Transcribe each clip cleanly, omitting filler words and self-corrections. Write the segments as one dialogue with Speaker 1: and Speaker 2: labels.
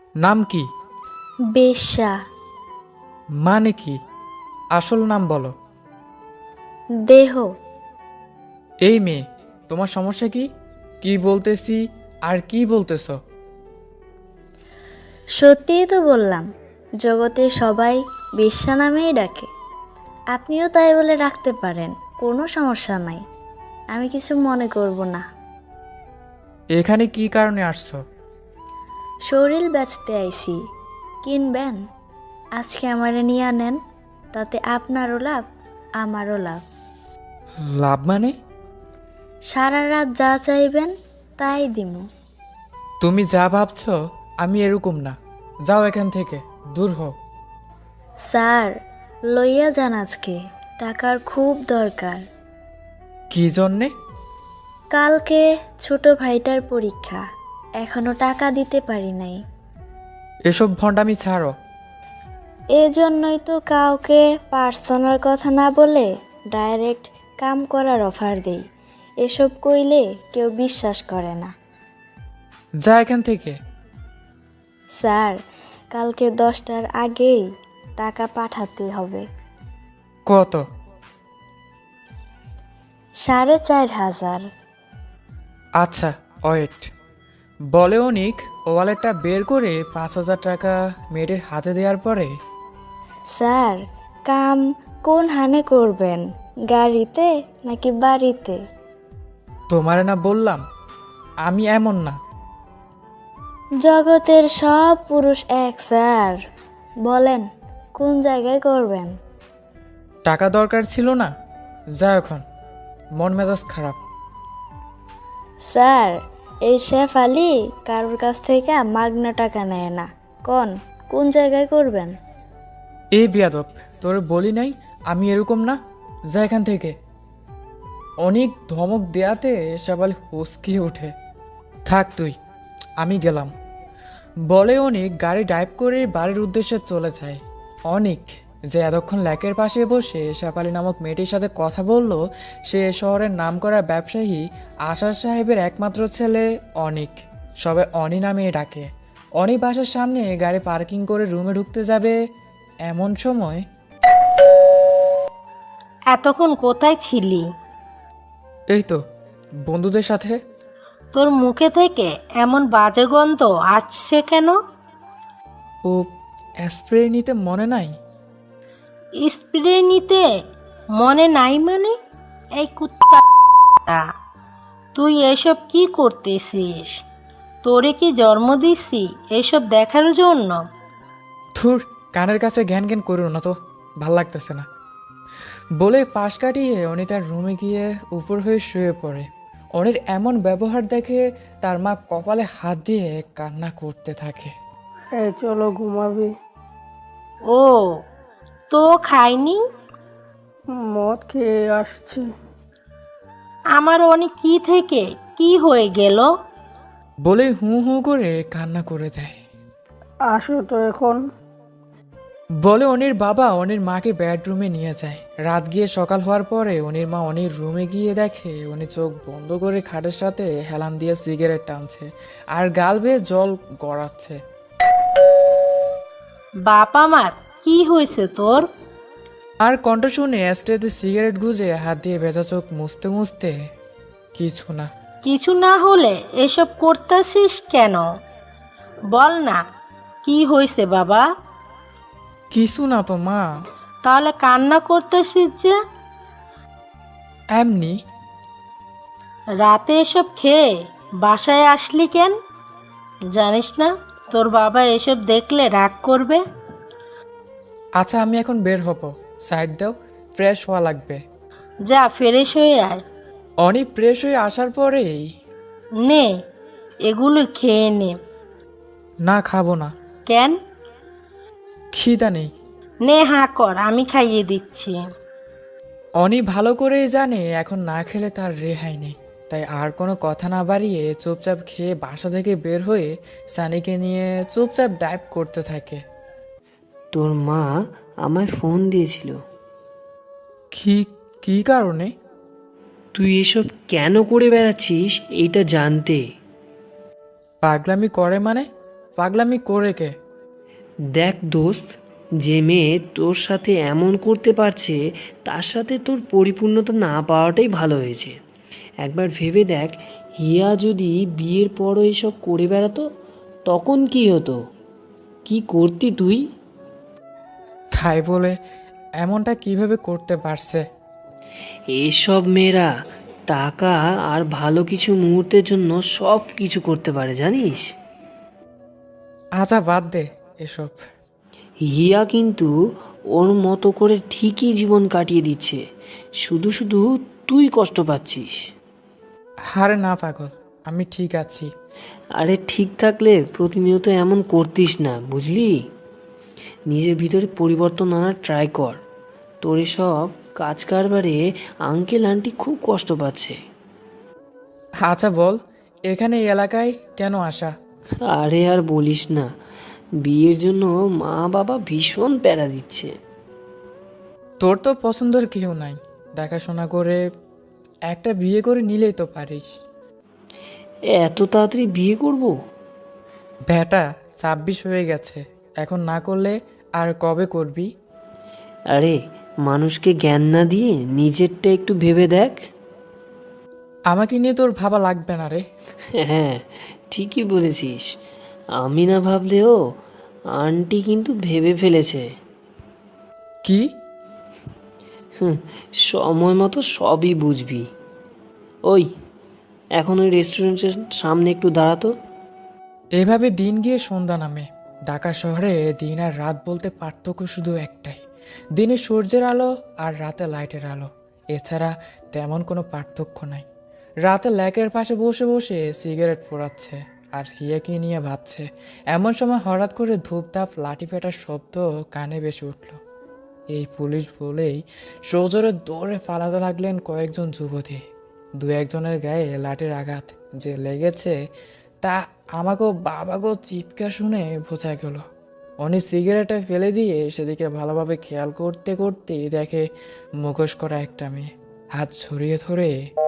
Speaker 1: নাম কি?
Speaker 2: বেশ্যা।
Speaker 1: মানে কি? আসল নাম বলো।
Speaker 2: দেহ।
Speaker 1: এই মেয়ে, তোমার সমস্যা কি? কি বলতেছি আর কি বলতেছ?
Speaker 2: সত্যিই তো বললাম, জগতে সবাই বেশ্যা নামেই ডাকে। আপনিও তাই বলে রাখতে পারেন, কোনো সমস্যা নাই। আমি কিছু মনে করব না।
Speaker 1: এখানে কি কারণে আসছো?
Speaker 2: শরীর বেচতে আইছি, কিনবেন? আজকে আমারে নিয়ে নেন, তাতে আপনারও লাভ, আমারও লাভ।
Speaker 1: লাভ মানে?
Speaker 2: সারা রাত যা চাইবেন তাই দিমু।
Speaker 1: তুমি যা ভাবছো আমি এরকম না। যাও এখান থেকে, দূর হও।
Speaker 2: স্যার, লইয়া যান আজকে, টাকার খুব দরকার।
Speaker 1: কি জন্যে?
Speaker 2: কালকে ছোট ভাইটার পরীক্ষা, এখনো টাকা দিতে পারি নাই।
Speaker 1: এসব ভণ্ডামি ছাড়ো।
Speaker 2: এজন্যই তো কাউকে পার্সোনাল কথা না বলে ডাইরেক্ট কাম করার অফার দেই। এসব কইলে কেউ বিশ্বাস করে না।
Speaker 1: যা এখান থেকে।
Speaker 2: স্যার, কালকে 10টার আগেই টাকা পাঠাতে হবে।
Speaker 1: কত?
Speaker 2: 4,500।
Speaker 1: আচ্ছা, ওয়েট। বলে অনিক ওয়ালেটটা বের করে 5,000 টাকা মেয়েটির হাতে দেওয়ার পরে।
Speaker 2: স্যার, কাম কোন হানে করবেন, গাড়িতে নাকি বাড়িতে?
Speaker 1: তোমারে না বললাম আমি এমন না।
Speaker 2: জগতের সব পুরুষ এক স্যার। বলেন কোন জায়গায় করবেন?
Speaker 1: টাকা দরকার ছিল না? যা এখন, মন মেজাজ খারাপ।
Speaker 2: স্যার, এই শেফ আলী কারোর কাছ থেকে মাগনা টাকা নেয় না। কোন জায়গায় করবেন?
Speaker 1: এই বিয়াদব, তোর বলি নাই আমি এরকম না। যা এখান থেকে। অনেক ধমক দেয়াতে সবাই হসকিয়ে ওঠে। থাক তুই, আমি গেলাম। বলে অনেক গাড়ি ড্রাইভ করে বাড়ির উদ্দেশ্যে চলে যায়। অনেক যে এতক্ষণ ল্যাকের পাশে বসে শেফালি নামক মেয়েটির সাথে কথা বলল, সে এ শহরের নামকরা ব্যবসায়ী আশার সাহেবের একমাত্র ছেলে অনিক। সবাই অনি নামে ডাকে। অনি বাসার সামনে গাড়ি পার্কিং করে রুমে ঢুকতে যাবে এমন সময়।
Speaker 3: এতক্ষণ কোথায় ছিলি?
Speaker 1: এই তো, বন্ধুদের সাথে।
Speaker 3: তোর মুখে থেকে এমন বাজে গন্ধ আসছে কেন?
Speaker 1: ও, স্প্রে নিতে মনে নাই?
Speaker 3: স্প্রে নিতে মনে নাই মানে? এই কুত্তা, তুই এসব কি করতেছিস? তোরে কি জন্ম দিছি এসব দেখার জন্য?
Speaker 1: থুর, কানের কাছে ঘ্যান ঘ্যান করো না তো, ভাল লাগতেছে না। বলে পাশ কাটিয়ে অনি তার রুমে গিয়ে উপর হয়ে শুয়ে পড়ে। অনির এমন ব্যবহার দেখে তার মা কপালে হাত দিয়ে কান্না করতে থাকে।
Speaker 4: এই চলো ঘুমাবি।
Speaker 3: ও, তো খাইনি?
Speaker 4: মদ খেয়ে আসছি।
Speaker 3: আমার অনেক কি থেকে কি হয়ে গেল?
Speaker 1: বলে হু হু করে কান্না করে দেয়।
Speaker 4: আসো তো এখন।
Speaker 1: বলে অনির বাবা অনির মাকে বেডরুমে নিয়ে যায়। রাত গিয়ে সকাল হওয়ার পরে অনির মা অনির রুমে গিয়ে দেখে উনি চোখ বন্ধ করে খাটের সাথে হেলান দিয়ে সিগারেট টানছে আর গাল বেয়ে জল গড়াচ্ছে।
Speaker 3: বাপ আমার, কি হয়েছে তোর?
Speaker 1: আর কণ্ঠ শুনে অ্যাস্ট্রেতে সিগারেট গুজে হাত দিয়ে ভেজা চোখ মুছতে মুছতে, কিছু না।
Speaker 3: কিছু না হলে এসব করতেছিস কেন? বল না, কি হয়েছে বাবা?
Speaker 1: কিছু না তো মা,
Speaker 3: তাহলে কান্না করতেছিস যে?
Speaker 1: এমনি।
Speaker 3: রাতে এসব খেয়ে বাসায় আসলি কেন? জানিস না তোর বাবা এসব দেখলে রাগ করবে?
Speaker 1: আচ্ছা, আমি এখন বের হব, সাইড দাও, ফ্রেশ হওয়া লাগবে।
Speaker 3: যা ফ্রেশ হয়ে আয়।
Speaker 1: অনেক ফ্রেশ হয়ে আসার পরেই।
Speaker 3: নে, এগুলো খেয়ে নে।
Speaker 1: না, খাবো না।
Speaker 3: কেন?
Speaker 1: খিদা নেই।
Speaker 3: নে, হাঁ কর, আমি খাইয়ে দিচ্ছি।
Speaker 1: অনি ভালো করেই জানে এখন না খেলে তার রেহাই নেই, তাই আর কোনো কথা না বাড়িয়ে চুপচাপ খেয়ে বাসা থেকে বের হয়ে সানিকে নিয়ে চুপচাপ ড্রাইভ করতে থাকে।
Speaker 5: তোর মা আমায় ফোন দিয়েছিল।
Speaker 1: কি? কি কারণে?
Speaker 5: তুই এসব কেন করে বেড়াচ্ছিস এইটা জানতে।
Speaker 1: পাগলামি করে মানে? পাগলামি করে কে?
Speaker 5: দেখ দোস্ত, যে মেয়ে তোর সাথে এমন করতে পারছে তার সাথে তোর পরিপূর্ণতা না পাওয়াটাই ভালো হয়েছে। একবার ভেবে দেখ, হিয়া যদি বিয়ের পরও এসব করে বেড়াতো তখন কি হতো? কি করতি তুই?
Speaker 1: তাই বলে এমনটা কিভাবে করতে পারছে?
Speaker 5: এসব মেয়েরা টাকা আর ভালো কিছু মুহূর্তের জন্য সব কিছু করতে পারে, জানিস?
Speaker 1: আচ্ছা বাদ দে এসব।
Speaker 5: হিয়া কিন্তু ওর মতো করে ঠিকই জীবন কাটিয়ে দিচ্ছে, শুধু শুধু তুই কষ্ট পাচ্ছিস।
Speaker 1: আরে না পাগল, আমি ঠিক আছি।
Speaker 5: আরে ঠিক থাকলে প্রতিনিয়ত এমন করতিস না, বুঝলি? নিজের ভিতরে পরিবর্তন আনার ট্রাই কর। তোর এসব কাজ কারবারে আঙ্কেল আন্টি খুব কষ্ট পাচ্ছে।
Speaker 1: আচ্ছা বল, এখানে এই এলাকায় কেন আসা?
Speaker 5: আরে আর বলিস না, বিয়ের জন্য মা বাবা ভীষণ প্যারা দিচ্ছে।
Speaker 1: তোর তো পছন্দের কেউ নাই, দেখাশোনা করে একটা বিয়ে করে নিলেই তো পারিস।
Speaker 5: এত তাড়াতাড়ি বিয়ে করব?
Speaker 1: বেটা 26 হয়ে গেছে, এখন না করলে আর কবে করবি?
Speaker 5: আরে মানুষকে জ্ঞান না দিয়ে নিজেরটা একটু ভেবে দেখ।
Speaker 1: আমাকে নিয়ে তোর ভাবা লাগবে না রে।
Speaker 5: হ্যাঁ, ঠিকই বলেছিস। আমি না ভাবলেও আন্টি কিন্তু ভেবে ফেলেছে।
Speaker 1: কি?
Speaker 5: সময় মতো সবই বুঝবি। ওই, এখন ওই রেস্টুরেন্টের সামনে একটু দাঁড়াতো।
Speaker 1: এভাবে দিন গিয়ে সন্ধ্যা নামে। ঢাকা শহরে দিন আর রাত বলতে পার্থক্য শুধু একটাই, দিনে সূর্যের আলো আর রাতে লাইটের আলো। এছাড়া তেমন কোনো পার্থক্য নাই। রাতে ল্যাকের পাশে বসে বসে সিগারেট পোড়াচ্ছে আর হিয়াকে নিয়ে ভাবছে। এমন সময় হঠাৎ করে ধূপধাপ লাঠি ফেটার শব্দ কানে ভেসে উঠল। এই পুলিশ বলেই সজোরে দৌড়ে পালাতে লাগলেন কয়েকজন যুবতী। দু একজনের গায়ে লাঠির আঘাত যে লেগেছে তা আমাকেও বাবাকেও চিৎকার শুনে বোঝা গেল। উনি সিগারেটটা ফেলে দিয়ে সেদিকে ভালোভাবে খেয়াল করতে করতেই দেখে মুখোশ করা একটা মেয়ে হাত ছড়িয়ে ধরে,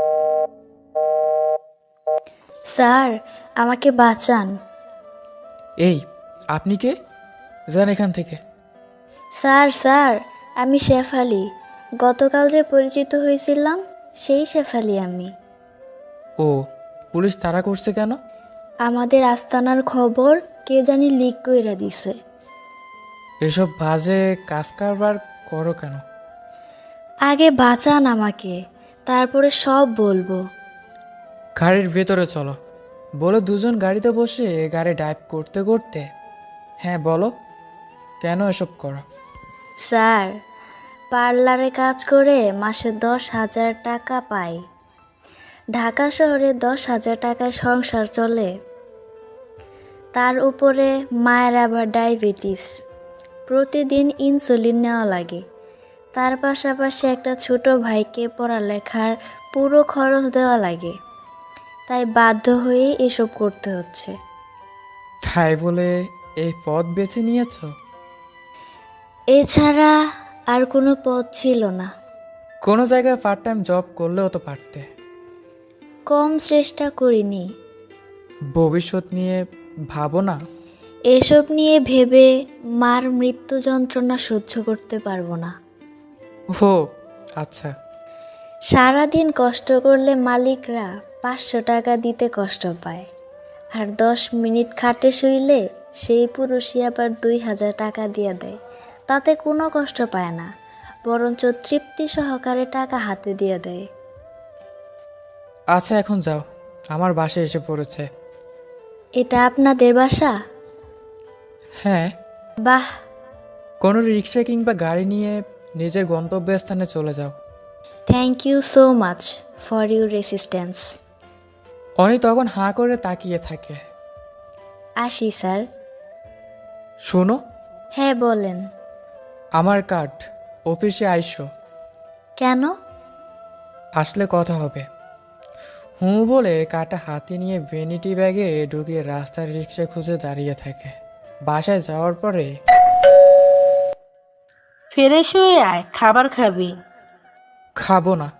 Speaker 2: স্যার, আমাকে বাঁচান।
Speaker 1: এই আপনি কে? যান এখান থেকে।
Speaker 2: স্যার, আমি শেফালি। গতকাল যে পরিচিত হয়েছিলাম সেই শেফালি আমি।
Speaker 1: ও, পুলিশ তাড়া করছে কেন?
Speaker 2: আমাদের আস্তানার খবর কে জানি লিক কইরা দিছে।
Speaker 1: এসব বাজে কাজ কারবার করো কেন?
Speaker 2: আগে বাঁচান আমাকে, তারপরে সব বলবো।
Speaker 1: গাড়ির ভেতরে চলো বলে দুজন গাড়িতে বসে গাড়ি ড্রাইভ করতে করতে, হ্যাঁ বলো কেন এসব করো?
Speaker 2: স্যার, পার্লারে কাজ করে মাসে 10,000 টাকা পাই। ঢাকা শহরে 10,000 টাকায় সংসার চলে। তার উপরে মায়ের আবার ডায়াবেটিস, প্রতিদিন ইনসুলিন নেওয়া লাগে। তার পাশাপাশি একটা ছোট ভাইকে পড়ালেখার পুরো খরচ দেওয়া লাগে। তাই বাধ্য হয়েই এসব করতে হচ্ছে।
Speaker 1: তাই বলে এই পথ বেছে নিয়েছো?
Speaker 2: এছাড়া আর কোনো পথ ছিল না।
Speaker 1: কোনো জায়গায় পার্ট টাইম জব করলেও তো পারতে।
Speaker 2: কম চেষ্টা করিনি।
Speaker 1: ভবিষ্যৎ নিয়ে ভাবো না?
Speaker 2: এসব নিয়ে ভেবে মার মৃত্যু যন্ত্রণা সহ্য করতে পারবো না।
Speaker 1: ও আচ্ছা।
Speaker 2: সারাদিন কষ্ট করলে মালিকরা 500 টাকা দিতে কষ্ট পায়, আর 10 মিনিট খাটে শুইলে সেই পুরুষই আবার 2,000 টাকা দিয়ে দেয়। তাতে কোনো কষ্ট পায় না, বরঞ্চ তৃপ্তি সহকারে টাকা হাতে দিয়ে দেয়।
Speaker 1: আচ্ছা এখন যাও, আমার বাসায় এসে পড়েছে।
Speaker 2: এটা আপনাদের বাসা?
Speaker 1: হ্যাঁ।
Speaker 2: বাহ,
Speaker 1: কোনো রিক্সা কিংবা গাড়ি নিয়ে নিজের গন্তব্যস্থানে চলে যাও।
Speaker 2: Thank you so much for your resistance.
Speaker 1: Oni তখন হাঁ করে তাকিয়ে থাকে।
Speaker 2: আসি স্যার।
Speaker 1: শোনো,
Speaker 2: হ্যাঁ বলেন।
Speaker 1: আমার কার্ড, অফিসে আইসো।
Speaker 2: কেন?
Speaker 1: আসলে কথা হবে। হুঁ বলে কাটা হাতে নিয়ে ভ্যানিটি ব্যাগে ঢুকিয়ে রাস্তার রিক্সা খুঁজে দাঁড়িয়ে থাকে। বাসায় যাওয়ার পরে,
Speaker 3: ফ্রেশ হয়ে আয়, খাবার খাবি।
Speaker 1: খাবো না।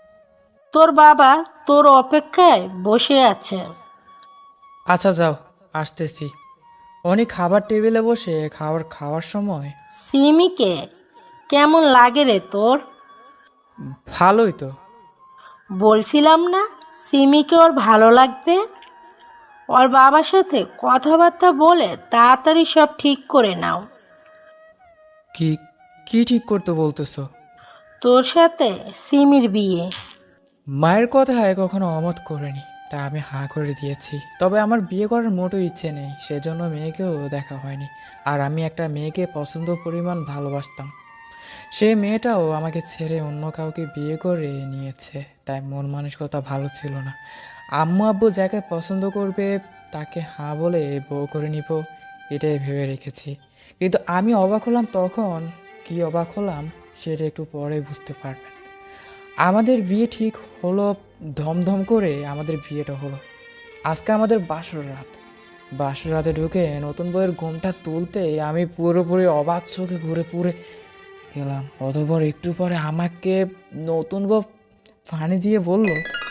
Speaker 3: তোর বাবা তোর অপেক্ষায় বসে আছে।
Speaker 1: আচ্ছা যাও, আসতেছি। অনেক খাবার টেবিলে বসে খাওয়ার সময়
Speaker 3: সিমিকে কেমন লাগে রে তোর?
Speaker 1: ভালোই তো।
Speaker 3: বলছিলাম না সিমিকে ওর ভালো লাগবে। ওর বাবার সাথে কথাবার্তা বলে তাড়াতাড়ি সব ঠিক করে নাও।
Speaker 1: কি কি ঠিক করতে বলতেছো?
Speaker 3: তোর সাথে সিমির বিয়ে।
Speaker 1: মায়ের কথায় কখনো অমত করিনি, তা আমি হাঁ করে দিয়েছি। তবে আমার বিয়ে করার মোটো ইচ্ছে নেই, সেজন্য মেয়েকেও দেখা হয়নি। আর আমি একটা মেয়েকে পছন্দ পরিমাণ ভালোবাসতাম, সেই মেয়েটাও আমাকে ছেড়ে অন্য কাউকে বিয়ে করে নিয়েছে। তাই মন মানসিকতা ভালো ছিল না। আম্মু আব্বু যাকে পছন্দ করবে তাকে হাঁ বলে বউ করে নিব, এটাই ভেবে রেখেছি। কিন্তু আমি অবাক হলাম তখন। কি অবাক হলাম সেটা একটু পরে বুঝতে পারবেন। আমাদের বিয়ে ঠিক হলো, ধমধম করে আমাদের বিয়েটা হলো। আজকে আমাদের বাসর রাত। বাসর রাতে ঢুকে নতুন বইয়ের ঘুমটা তুলতে আমি পুরোপুরি অবাক চোখে ঘুরে পুরে গেলাম। অতঃপর একটু পরে আমাকে নতুন বউ পানি দিয়ে বলল,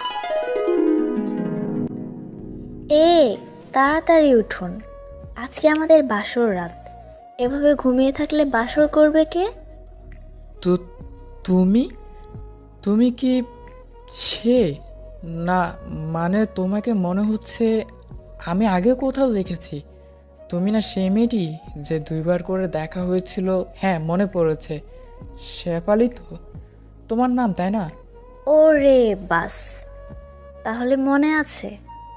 Speaker 2: এ তাড়াতাড়ি উঠুন, আজকে আমাদের বাসর রাত। এভাবে ঘুমিয়ে থাকলে বাসর করবে কে?
Speaker 1: তো তুমি তুমি কি সে? না, মানে তোমাকে মনে হচ্ছে আমি আগে কোথাও দেখেছি। তুমি না সেই মেয়েটি যে 2বার করে দেখা হয়েছিল? হ্যাঁ, মনে পড়েছে, শেফালি তো তোমার নাম, তাই না?
Speaker 2: ও রে বাস, তাহলে মনে আছে।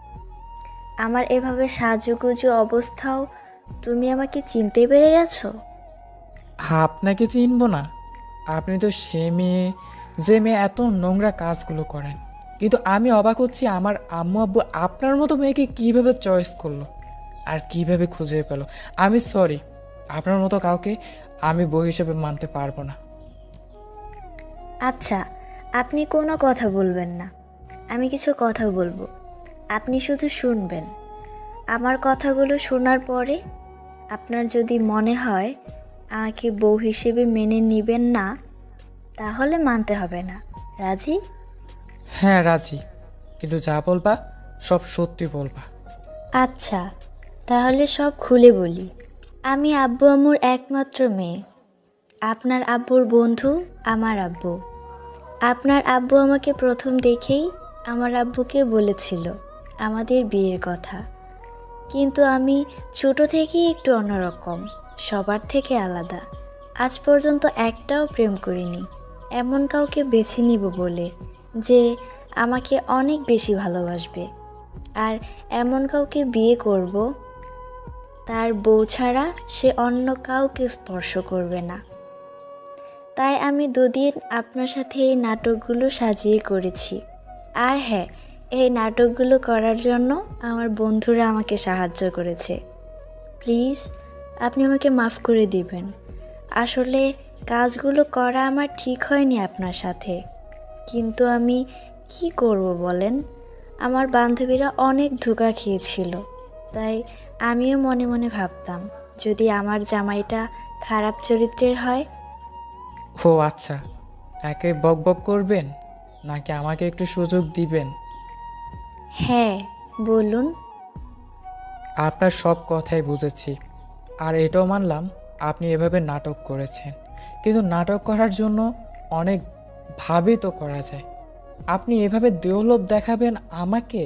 Speaker 2: আমার এভাবে সাজুগুজু অবস্থাও তুমি আমাকে চিনতে পেরে গেছো?
Speaker 1: আপনাকে চিনবো না? আপনি তো সে মেয়ে যে মেয়ে এত নোংরা কাজগুলো করেন। কিন্তু আমি অবাক হচ্ছি আমার আম্মু আব্বু আপনার মতো মেয়েকে কিভাবে চয়েস করলো আর কিভাবে খুঁজে পেল। আমি সরি, আপনার মতো কাউকে আমি বউ হিসেবে মানতে পারবো না।
Speaker 2: আচ্ছা, আপনি কোনো কথা বলবেন না, আমি কিছু কথা বলবো, আপনি শুধু শুনবেন। আমার কথাগুলো শোনার পরে আপনার যদি মনে হয় আমাকে বউ হিসেবে মেনে নেবেন না, তাহলে মানতে হবে না। রাজি?
Speaker 1: হ্যাঁ রাজি, কিন্তু যা বলবা সব সত্যি বলবা।
Speaker 2: আচ্ছা, তাহলে সব খুলে বলি। আমি আব্বু আম্মুর একমাত্র মেয়ে। আপনার আব্বুর বন্ধু আমার আব্বু। আপনার আব্বু আমাকে প্রথম দেখেই আমার আব্বুকে বলেছিল আমাদের বিয়ের কথা। কিন্তু আমি ছোট থেকেই একটু অন্যরকম, সবার থেকে আলাদা। আজ পর্যন্ত একটাও প্রেম করিনি এমন কাউকে বেছে নিব বলে, যে আমাকে অনেক বেশি ভালোবাসবে। আর এমন কাউকে বিয়ে করব, তার বউ ছাড়া সে অন্য কাউকে স্পর্শ করবে না। তাই আমি 2 দিন আপনার সাথে এই নাটকগুলো সাজিয়ে করেছি। আর হ্যাঁ, এই নাটকগুলো করার জন্য আমার বন্ধুরা আমাকে সাহায্য করেছে। প্লিজ আপনি আমাকে মাফ করে দিবেন। আসলে কাজগুলো করা আমার ঠিক হয়নি আপনার সাথে, কিন্তু আমি কি করব বলেন? আমার বান্ধবীরা অনেক ধোঁকা খেয়েছিল, তাই আমিও মনে মনে ভাবতাম যদি আমার জামাইটা খারাপ চরিত্রের হয়।
Speaker 1: ও আচ্ছা, একে বক বক করবেন নাকি আমাকে একটু সুযোগ দিবেন?
Speaker 2: হ্যাঁ, বলুন।
Speaker 1: আপনার সব কথাই বুঝেছি, আর এটাও মানলাম আপনি এভাবে নাটক করেছেন। কিন্তু নাটক করার জন্য অনেক ভাবে তো করা যায়। আপনি এভাবে দেহলোভ দেখাবেন আমাকে?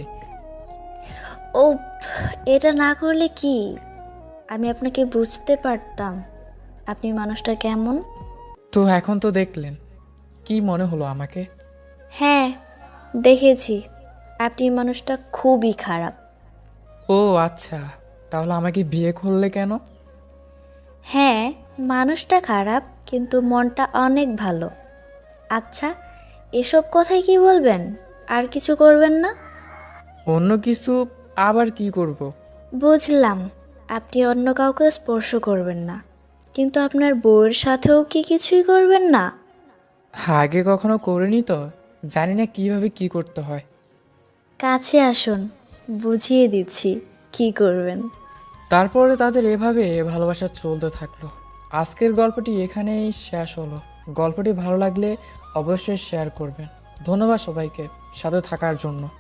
Speaker 2: ও, এটা না করলে কি আমি আপনাকে বুঝতে পারতাম আপনি মানুষটা কেমন?
Speaker 1: তো এখন তো দেখলেন, কি মনে হলো আমাকে?
Speaker 2: হ্যাঁ, দেখেছি আপনি মানুষটা খুবই খারাপ।
Speaker 1: ও আচ্ছা, তাহলে আমাকে বিয়ে করলে কেন?
Speaker 2: হ্যাঁ, মানুষটা খারাপ কিন্তু মনটা অনেক ভালো। আচ্ছা, এসব কথাই কি বলবেন? আর কিছু করবেন না?
Speaker 1: অন্য কিছু আবার কি করব?
Speaker 2: বুঝলাম আপনি অন্য কাউকে স্পর্শ করবেন না, কিন্তু আপনার বউয়ের সাথেও কি কিছুই করবেন না?
Speaker 1: আগে কখনো করিনি তো, জানি না কিভাবে কি করতে হয়।
Speaker 2: কাছে আসুন, বুঝিয়ে দিচ্ছি কি করবেন।
Speaker 1: তারপরে তাদের এভাবে ভালোবাসা চলতে থাকলো। আজকের গল্পটি এখানেই শেষ হলো। গল্পটি ভালো লাগলে অবশ্যই শেয়ার করবেন। ধন্যবাদ সবাইকে সাথে থাকার জন্য।